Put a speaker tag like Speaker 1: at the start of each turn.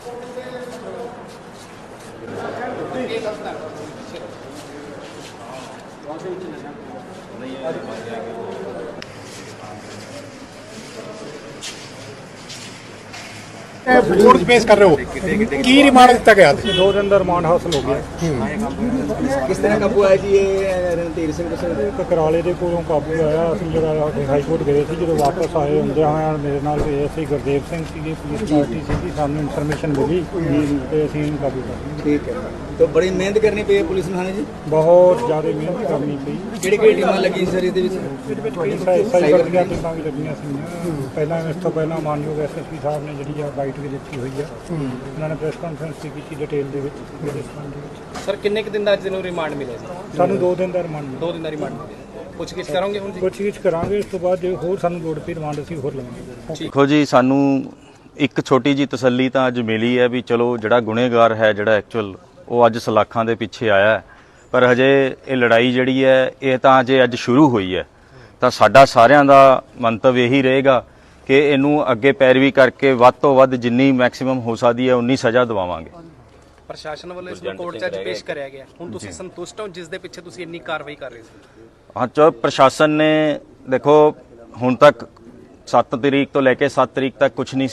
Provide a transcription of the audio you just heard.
Speaker 1: Court पेश कर रहे हो की रिमांड दिता गया?
Speaker 2: 2 दिन का रिमांड हासिल हो गया।
Speaker 3: किस तरह काबू आया जी ये रणधीर ਸਿੰਘ
Speaker 2: ਕਕਰਾਲੇ ਦੇ ਕੋਲੋਂ ਕਾਬੂ ਆਇਆ। ਅਸੀਂ ਜਿਹੜਾ ਹਾਈ ਕੋਰਟ ਗਏ ਸੀ, ਜਦੋਂ ਵਾਪਸ ਆਏ ਹੁੰਦੇ ਹਾਂ ਮੇਰੇ ਨਾਲ ਅਸੀਂ ਗੁਰਦੇਵ ਸਿੰਘ ਸੀਗੇ, ਪੁਲਿਸ ਪਾਰਟੀ ਸੀਗੀ, ਸਾਨੂੰ ਇਨਫੋਰਮੇਸ਼ਨ ਮਿਲੀ ਤੇ ਅਸੀਂ ਇਹਨੂੰ ਕਾਬੂ ਕਰ ਲਿਆ।
Speaker 3: ठीक है, तो बड़ी मेहनत करनी पई पुलिस ਨੂੰ। ਹਾਂ ਜੀ,
Speaker 2: ਬਹੁਤ ਜ਼ਿਆਦਾ ਮਿਹਨਤ ਕਰਨੀ ਪਈ।
Speaker 3: ਕਿਹੜੀ ਟੀਮਾਂ ਲੱਗੀ ਸਰ ਇਹਦੇ ਵਿੱਚ?
Speaker 2: ਸਾਈਬਰ ਦੀਆਂ ਟੀਮਾਂ ਵੀ ਲੱਗੀਆਂ ਸੀ। ਪਹਿਲਾਂ ਇਸ ਤੋਂ ਪਹਿਲਾਂ ਮਾਨਯੋਗ ਐਸਐਸਪੀ ਸਾਹਿਬ ਨੇ ਜਿਹੜੀ ਆ ਬਾਈਟ ਵੀ ਦਿੱਤੀ ਹੋਈ ਆ, ਉਹਨਾਂ ਨੇ ਪ੍ਰੈਸ ਕਾਨਫਰੰਸ ਵੀ ਕੀਤੀ ਡਿਟੇਲ ਦੇ ਵਿੱਚ।
Speaker 4: ਸਰ ਕਿੰਨੇ ਕੁ ਦਿਨ ਦਾ ਅੱਜ ਨੂੰ ਰਿਮਾਂਡ ਮਿਲਿਆ ਸੀ?
Speaker 2: ਸਾਨੂੰ 2 ਦਿਨ ਦਾ ਰਿਮਾਂਡ
Speaker 4: 2 ਦਿਨ ਦਾ ਰਿਮਾਂਡ ਮਿਲਿਆ। ਪੁੱਛਗਿੱਛ ਕਰਾਂਗੇ ਹੁਣ ਜੀ?
Speaker 2: ਪੁੱਛਗਿੱਛ ਕਰਾਂਗੇ, ਇਸ ਤੋਂ ਬਾਅਦ ਜੇ ਹੋਰ ਸਾਨੂੰ ਲੋੜ ਪਈ ਰਿਮਾਂਡ ਅਸੀਂ ਹੋਰ ਲਵਾਂਗੇ।
Speaker 5: ਦੇਖੋ ਜੀ, ਸਾਨੂੰ ਇੱਕ ਛੋਟੀ ਜੀ ਤਸੱਲੀ ਤਾਂ ਅੱਜ ਮਿਲੀ ਹੈ ਵੀ ਚਲੋ ਜਿਹੜਾ ਗੁਨੇਗਾਰ ਹੈ, ਜਿਹੜਾ ਐਕਚੁਅਲ ਉਹ ਅੱਜ ਸਲਾਖਾਂ ਦੇ ਪਿੱਛੇ ਆਇਆ ਹੈ, ਪਰ ਹਜੇ ਇਹ ਲੜਾਈ ਜਿਹੜੀ ਹੈ ਇਹ ਤਾਂ ਅਜੇ ਅੱਜ ਸ਼ੁਰੂ ਹੋਈ ਹੈ। ਤਾਂ ਸਾਡਾ ਸਾਰਿਆਂ ਦਾ ਮੰਤਵ ਇਹੀ ਰਹੇਗਾ ਕਿ ਇਹਨੂੰ ਅੱਗੇ ਪੈਰਵੀ ਕਰਕੇ ਵੱਧ ਤੋਂ ਵੱਧ ਜਿੰਨੀ ਮੈਕਸਿਮਮ ਹੋ ਸਕਦੀ ਹੈ ਉਨੀ ਸਜ਼ਾ ਦਿਵਾਵਾਂਗੇ।
Speaker 4: ਪ੍ਰਸ਼ਾਸਨ ਵੱਲੋਂ ਇਸ ਨੂੰ ਕੋਰਟ 'ਚ ਅੱਜ ਪੇਸ਼ ਕਰਿਆ ਗਿਆ। ਹੁਣ ਤੁਸੀਂ ਸੰਤੁਸ਼ਟ ਹੋ ਜਿਸ ਦੇ ਪਿੱਛੇ ਤੁਸੀਂ ਇੰਨੀ ਕਾਰਵਾਈ ਕਰ ਰਹੇ ਸੀ?
Speaker 5: ਹਾਂ, ਚਲੋ ਪ੍ਰਸ਼ਾਸਨ ਨੇ ਦੇਖੋ ਹੁਣ ਤੱਕ 7 ਤਰੀਕ ਤੋਂ ਲੈ ਕੇ 7 ਤਰੀਕ ਤੱਕ ਕੁਝ ਨਹੀਂ